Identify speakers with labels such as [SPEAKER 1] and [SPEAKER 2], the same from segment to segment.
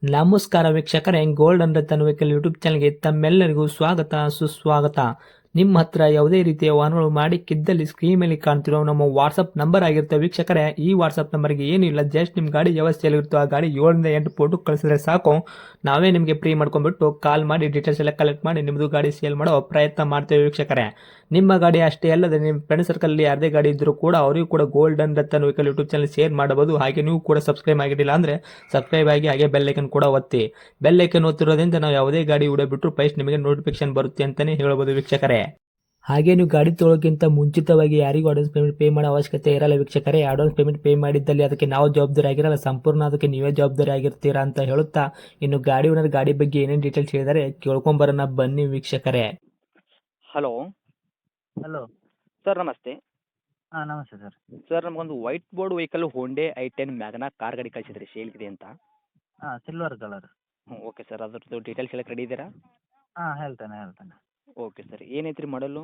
[SPEAKER 1] ನಮಸ್ಕಾರ ವೀಕ್ಷಕರೇ, golden Ratan vehicle YouTube ಚಾನಲ್ಗೆ ತಮ್ಮೆಲ್ಲರಿಗೂ ಸ್ವಾಗತ ಸುಸ್ವಾಗತ. ನಿಮ್ಮ ಹತ್ರ ಯಾವುದೇ ರೀತಿಯ ವಾಹನಗಳು ಮಾಡಿಕ್ಕಿದ್ದಲ್ಲಿ ಸ್ಕ್ರೀನ್ ಮೇಲೆ ಕಾಣ್ತಿರೋ ನಮ್ಮ ವಾಟ್ಸಪ್ ನಂಬರ್ ಆಗಿರುತ್ತೆ ವೀಕ್ಷಕರೇ. ಈ ವಾಟ್ಸಪ್ ನಂಬರ್ಗೆ ಏನಿಲ್ಲ, ಜಸ್ಟ್ ನಿಮ್ಮ ಗಾಡಿ ವ್ಯವಸ್ಥೆಯಲ್ಲಿರುತ್ತೋ ಆ ಗಾಡಿ 7 ರಿಂದ 8 ಫೋಟೋ ಕಳಿಸಿದ್ರೆ ಸಾಕು, ನಾವೇ ನಿಮಗೆ ಫ್ರೀ ಮಾಡ್ಕೊಂಡ್ಬಿಟ್ಟು ಕಾಲ್ ಮಾಡಿ ಡೀಟೇಲ್ಸ್ ಎಲ್ಲ ಕಲೆಕ್ಟ್ ಮಾಡಿ ನಿಮ್ಮದು ಗಾಡಿ ಸೇಲ್ ಮಾಡೋ ಪ್ರಯತ್ನ ಮಾಡ್ತೇವೆ ವೀಕ್ಷಕರೇ. ನಿಮ್ಮ ಗಾಡಿ ಅಷ್ಟೇ ಅಲ್ಲದೆ ನಿಮ್ಮ ಫ್ರೆಂಡ್ ಸರ್ಕಲ್ ಯಾರದೇ ಗಾಡಿ ಇದ್ದರೂ ಕೂಡ ಅವರಿಗೂ ಕೂಡ golden Ratan vehicle YouTube channel share ಮಾಡಬಹುದು. ಹಾಗೆ ನೀವು ಕೂಡ ಸಬ್ಸ್ಕ್ರೈಬ್ ಆಗಿರಲಿಲ್ಲ ಅಂದರೆ ಸಬ್ಸ್ಕ್ರೈಬ್ ಆಗಿ ಹಾಗೆ ಬೆಲ್ ಐಕನ್ ಕೂಡ ಒತ್ತಿ. ಬೆಲ್ ಐಕನ್ ಒತ್ತಿರೋದ್ರಿಂದ ನಾವು ಯಾವುದೇ ಗಾಡಿ ವಿಡಿಯೋ ಬಿಟ್ಟರು ಫಸ್ಟ್ ನಿಮಗೆ ನೋಟಿಫಿಕೇಶನ್ ಬರುತ್ತೆ ಅಂತಾನೆ ಹೇಳ್ಬೋದು ವೀಕ್ಷಕರೇ. ಹಾಗೆ ನೀವು ಗಾಡಿ ತೊಳೋಕ್ಕಿಂತ ಮುಂಚಿತವಾಗಿ ಯಾರಿಗೂ ಅಡ್ವಾನ್ಸ್ ಪೇಮೆಂಟ್ ಪೇ ಮಾಡೋ ಅವಶ್ಯಕತೆ ಇರಲ್ಲ ವೀಕ್ಷಕರೇ. ಅಡ್ವಾನ್ಸ್ ಪೇಮೆಂಟ್ ಪೇ ಮಾಡಿದ್ದಲ್ಲಿ ಅದಕ್ಕೆ ನಾವು ಜವಾಬ್ದಾರಿ ಆಗಿರಲ್ಲ, ಸಂಪೂರ್ಣ ಅದಕ್ಕೆ ನೀವೇ ಜವಾಬ್ದಾರಿ ಆಗಿರ್ತೀರಾ ಅಂತ ಹೇಳುತ್ತಾ, ಇನ್ನು ಗಾಡಿ ಓನರ್ ಗಾಡಿ ಬಗ್ಗೆ ಏನೇನು ಡೀಟೇಲ್ಸ್ ಹೇಳಿದರೆ ಕೇಳ್ಕೊಂಬರೋಣ ಬನ್ನಿ ವೀಕ್ಷಕರೇ.
[SPEAKER 2] Hello
[SPEAKER 3] hello.
[SPEAKER 2] ಸರ್, ನಮಸ್ತೆ.
[SPEAKER 3] ಹಾಂ, ನಮಸ್ತೆ ಸರ್.
[SPEAKER 2] ಸರ್, ನಮಗೊಂದು white board vehicle Hyundai I10 Magna car ಗಾಡಿ ಕಳಿಸಿದ್ರಿ ಸೇಲ್ಗಿದೆ ಅಂತ.
[SPEAKER 3] ಹಾಂ, ಸಿಲ್ವರ್ ಕಲರ್.
[SPEAKER 2] ಓಕೆ ಸರ್, ಅದ್ರದ್ದು ಡೀಟೇಲ್ಸ್ ಎಲ್ಲ ರೆಡಿ ಇದ್ದೀರಾ?
[SPEAKER 3] ಹಾಂ, ಹೇಳ್ತೇನೆ.
[SPEAKER 2] ಓಕೆ ಸರ್, ಏನೈತ್ರಿ ಮಾಡಲು?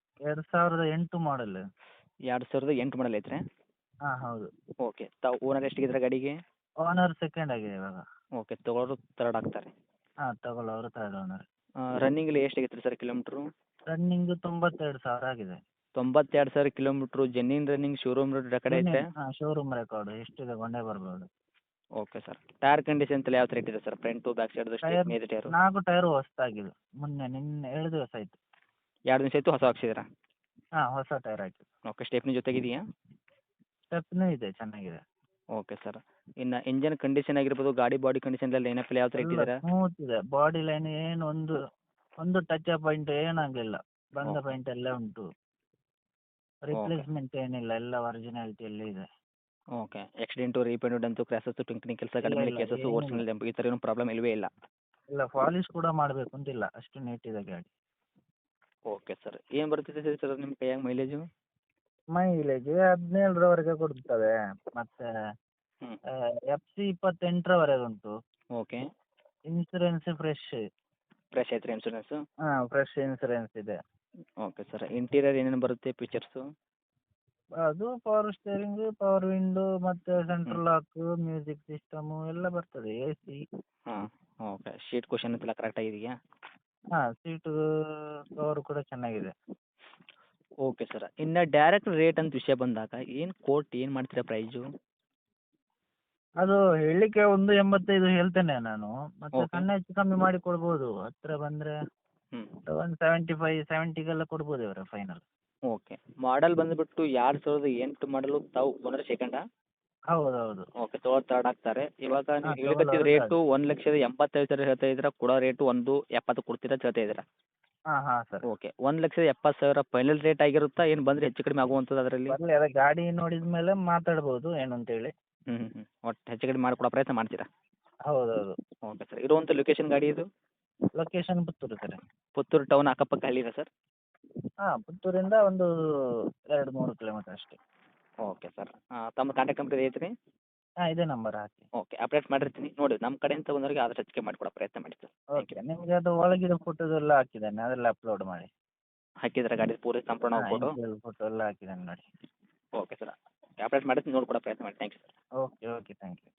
[SPEAKER 3] 2008 ಮಾಡಲ್.
[SPEAKER 2] 2008 ಮಾಡಲ್ ಐತ್ರಿ?
[SPEAKER 3] ಹಾಂ, ಹೌದು.
[SPEAKER 2] ಓಕೆ, ತಾವು ಓನರ್ ಎಷ್ಟಿಗಿದ್ರೆ ಗಾಡಿಗೆ?
[SPEAKER 3] ಓನರ್ ಸೆಕೆಂಡ್ ಆಗಿದೆ ಇವಾಗ.
[SPEAKER 2] ಓಕೆ, ತೊಗೊಳೋರು ತರ್ಡ್ ಆಗ್ತಾರೆ.
[SPEAKER 3] ಹಾಂ, ತಗೊಳ್ಳೋರು ಥರ್ಡ್ ಓನರ್.
[SPEAKER 2] ರನ್ನಿಂಗಲ್ಲಿ ಎಷ್ಟಾಗೈತ್ರಿ ಸರ್ ಕಿಲೋಮೀಟ್ರು?
[SPEAKER 3] ರನ್ನಿಂಗ್ 92,000 ಆಗಿದೆ.
[SPEAKER 2] 92,000 ಕಿಲೋಮೀಟ್ರು. ಜೆನ್ಯೂನ್ ರನ್ನಿಂಗ್ ಶೋರೂಮ್ ಕಡೆ ಐತೆ?
[SPEAKER 3] ಹಾಂ, ಶೋರೂಮ್ ರೆಕಾರ್ಡು ಎಷ್ಟಿದೆ ಗೊಂಡೇ ಬರ್ಬೋದು.
[SPEAKER 2] ಓಕೆ ಸರ್, ಟೈರ್ ಕಂಡೀಷನ್ ಎಲ್ಲ ಯಾವ ಥರ ಇಟ್ಟಿದೆ sir? Front back side
[SPEAKER 3] tyre
[SPEAKER 2] stepney tyre?
[SPEAKER 3] 4 tyre ಹೊಸದಾಗಿದೆ. ನಿನ್ನೆ 7 ದಿವಸ ಆಯಿತು.
[SPEAKER 2] 2 ದಿವಸ ಆಯಿತು ಹೊಸ ಹಾಕ್ಸಿದ್ದೀರಾ?
[SPEAKER 3] ಹಾಂ, ಹೊಸ ಟೈರ್ ಹಾಕಿದ್ದು.
[SPEAKER 2] Okay, stepney ಜೊತೆಗಿದೆಯಾ?
[SPEAKER 3] ಸ್ಟೆಪ್ನೂ ಇದೆ, ಚೆನ್ನಾಗಿದೆ.
[SPEAKER 2] ಓಕೆ ಸರ್, ಇನ್ನು ಇಂಜನ್ ಕಂಡೀಷನ್ ಆಗಿರ್ಬೋದು, ಗಾಡಿ ಬಾಡಿ ಕಂಡೀಷನ್ ಎಲ್ಲ ಲೈನಪ್ಪಲ್ಲಿ ಯಾವ ಥರ
[SPEAKER 3] ಎಲ್ಲ
[SPEAKER 2] ಇಟ್ಟಿದ್ದೀರಾ?
[SPEAKER 3] ಸ್ಮೂತ್ ಇದೆ. ಬಾಡಿ ಲೈನ್ ಏನು ಒಂದು ಟಚ್ ಪಾಯಿಂಟ್ ಏನಾಗಲಿಲ್ಲ. ಬಂದ
[SPEAKER 2] ಓಕೆ.
[SPEAKER 3] ಪಾಯಿಂಟ್ ಎಲ್ಲ ಉಂಟು. ರಿಪ್ಲೇಸ್ಮೆಂಟ್ ಏನಿಲ್ಲ, ಎಲ್ಲ ಒರಿಜಿನಾಲಿಟಿಯಲ್ಲೇ ಇದೆ.
[SPEAKER 2] ಓಕೆ, ಆಕ್ಸಿಡೆಂಟು, ರೀಪೇಂಟು, ಡಂತು, ಕ್ರ್ಯಾಸಸ್ಸು, ಟಿಂಕ್ರಿಂಗ್ ಕೆಲಸ, ಗಾಡಿ
[SPEAKER 3] ಇಲ್ಲ,
[SPEAKER 2] ಮೇಲೆ
[SPEAKER 3] ಇಲ್ಲ,
[SPEAKER 2] ಕೇಸಸ್ಸು,
[SPEAKER 3] ಏನಿಲ್ಲ.
[SPEAKER 2] ಓರಿಜಿನಲ್ ಡೆಂಪ್ ಈ ಥರ ಏನು ಪ್ರಾಬ್ಲಮ್ ಇಲ್ಲವೇ ಇಲ್ಲ?
[SPEAKER 3] ಇಲ್ಲ, ಪಾಲಿಶ್ ಕೂಡ ಮಾಡಬೇಕು ಅಂತಿಲ್ಲ, ಅಷ್ಟು ನೀಟ್ ಇದೆ ಗಾಡಿ.
[SPEAKER 2] ಓಕೆ ಸರ್, ಏನು ಬರ್ತಿದೆ ಸರ್ ನಿಮ್ಮ ಕೈಯಾಗ ಮೈಲೇಜು?
[SPEAKER 3] ಮೈಲೇಜ್ 17ರವರೆಗೆ ಕೊಡ್ತದೆ. ಮತ್ತೆ
[SPEAKER 2] ಹ್ಞೂ.
[SPEAKER 3] FC 28ರವರೆಗೆ ಉಂಟು.
[SPEAKER 2] Okay,
[SPEAKER 3] insurance fresh.
[SPEAKER 2] ಫ್ರೆಶ್ ಐತ್ರಿ ಇನ್ಸೂರೆನ್ಸು?
[SPEAKER 3] ಹಾಂ, ಫ್ರೆಶ್ ಇನ್ಸೂರೆನ್ಸ್ ಇದೆ.
[SPEAKER 2] ಓಕೆ ಸರ್, ಇಂಟೀರಿಯರ್ ಏನೇನು ಬರುತ್ತೆ ಫೀಚರ್ಸು?
[SPEAKER 3] ಅದು ಪವರ್ ಸ್ಟೇರಿಂಗ್, ಪವರ್ ವಿಂಡೋ, ಮತ್ತೆ
[SPEAKER 2] ಹ್ಞೂ.
[SPEAKER 3] ಸೆಂಟ್ರಲ್ ಲಾಕ್, ಮ್ಯೂಸಿಕ್ ಸಿಸ್ಟಮು ಎಲ್ಲ ಬರ್ತದೆ. AC.
[SPEAKER 2] ಹಾಂ. ಓಕೆ, ಶೀಟ್ ಕುಷನ್ ಎಲ್ಲ ಕರೆಕ್ಟಾಗಿದೆಯಾ?
[SPEAKER 3] ಹಾಂ, ಸೀಟು ಕವರ್ ಕೂಡ ಚೆನ್ನಾಗಿದೆ.
[SPEAKER 2] ಓಕೆ ಸರ್, ಇನ್ನು ಡೈರೆಕ್ಟ್ ರೇಟ್ ಅಂತ ವಿಷಯ ಬಂದಾಗ ಏನು ಕೋಟ್ ಏನು ಮಾಡ್ತೀರಾ ಪ್ರೈಸು?
[SPEAKER 3] ಅದು ಹೇಳಲಿಕ್ಕೆ 1.85 ಹೇಳ್ತೇನೆ ನಾನು. ಮತ್ತೆ
[SPEAKER 2] ಓಕೆ.
[SPEAKER 3] ಸಣ್ಣ ಹೆಚ್ಚು ಕಮ್ಮಿ ಮಾಡಿ ಕೊಡ್ಬೋದು. ಹತ್ರ ಬಂದರೆ
[SPEAKER 2] ಹ್ಞೂ.
[SPEAKER 3] 175, 70ಗೆಲ್ಲ ಕೊಡ್ಬೋದು ಇವರ ಫೈನಲ್.
[SPEAKER 2] ಓಕೆ, ಮಾಡಲ್ ಬಂದುಬಿಟ್ಟು 2008 ಮಾಡಲು, ತಾವು ಓನರ್ ಸೆಕೆಂಡಾ?
[SPEAKER 3] ಹೌದೌದು.
[SPEAKER 2] ಓಕೆ, ತೊಗೊಳೋರು ತರ್ಡ್ ಆಗ್ತಾರೆ. ಇವಾಗ ನೀವು
[SPEAKER 3] ಹಾಂ,
[SPEAKER 2] ಹೇಳಕತ್ತಿದ
[SPEAKER 3] ತಗೊಳ್ಳೋರು
[SPEAKER 2] ರೇಟು
[SPEAKER 3] third.
[SPEAKER 2] 1,85,000 ಹೇಳ್ತಾ ಇದ್ದೀರಾ, ಕೊಡೋ ರೇಟು 1.70 ಕೊಡ್ತೀರಾ ಅಂತ ಹೇಳ್ತಾ ಇದ್ದೀರಾ?
[SPEAKER 3] ಹಾಂ, ಹಾಂ ಸರ್.
[SPEAKER 2] ಓಕೆ, 1,70,000 ಫೈನಲ್ ರೇಟ್ ಆಗಿರುತ್ತಾ, ಏನು ಬಂದರೆ ಹೆಚ್ಚು ಕಡಿಮೆ ಆಗುವಂಥದ್ದು ಅದರಲ್ಲಿ?
[SPEAKER 3] ಬರಲಿ, ಅದೇ ಗಾಡಿ ನೋಡಿದ ಮೇಲೆ ಮಾತಾಡ್ಬೋದು ಏನು ಅಂತೇಳಿ.
[SPEAKER 2] ಒಟ್ಟು ಹೆಚ್ಚು ಕಡಿಮೆ ಮಾಡಿಕೊಡೋ ಪ್ರಯತ್ನ ಮಾಡ್ತೀರಾ?
[SPEAKER 3] ಹೌದೌದು.
[SPEAKER 2] ಓಕೆ ಸರ್, ಇರುವಂಥ ಲೊಕೇಶನ್ ಗಾಡಿ ಇದು?
[SPEAKER 3] Location Puttur sir.
[SPEAKER 2] Puttur town ಅಕ್ಕಪಕ್ಕ ಹಳ್ಳಿನಾ ಸರ್?
[SPEAKER 3] ಹಾಂ, ಪುತ್ತೂರಿಂದ ಒಂದು 2-3 ಕಿಲೋಮೀಟರ್ ಅಷ್ಟೇ.
[SPEAKER 2] ಓಕೆ ಸರ್, ತಮ್ಮ ಕಾಂಟ್ಯಾಕ್ಟ್ ನಂಬರ್ ಐತ್ರಿ?
[SPEAKER 3] ಹಾಂ, ಇದೇ ನಂಬರ್ ಹಾಕಿ.
[SPEAKER 2] ಓಕೆ, ಅಪ್ಡೇಟ್ ಮಾಡಿರ್ತೀನಿ ನೋಡಿ. ನಮ್ಮ ಕಡೆಯಿಂದ ಬಂದವರಿಗೆ ಆದಷ್ಟು ಹೆಚ್ಚಿಗೆ ಮಾಡಿಕೊಡೋ ಪ್ರಯತ್ನ ಮಾಡಿ ಸರ್. Thank you.
[SPEAKER 3] ಓಕೆ, ನಿಮಗೆ ಅದು ಒಳಗಿರೋ ಫೋಟೋದೆಲ್ಲ ಹಾಕಿದ್ದೇನೆ, ಅದೆಲ್ಲ ಅಪ್ಲೋಡ್ ಮಾಡಿ.
[SPEAKER 2] ಹಾಕಿದ್ರೆ ಗಾಡಿ ಪೂರ ಸಂಪೂರ್ಣ
[SPEAKER 3] ಹಾಂ,
[SPEAKER 2] ಫೋಟೋ?
[SPEAKER 3] ಇಂಟೀರಿಯರ್ ಫೋಟೋ ಎಲ್ಲ ಹಾಕಿದ್ದೇನೆ ನೋಡಿ.
[SPEAKER 2] ಓಕೆ ಸರ್, ಅಪ್ಡೇಟ್ ಮಾಡಿರ್ತೀನಿ, ನೋಡ್ಕೊಡೋ ಪ್ರಯತ್ನ ಮಾಡಿ. Thank you sir.
[SPEAKER 3] Okay, okay, thank you.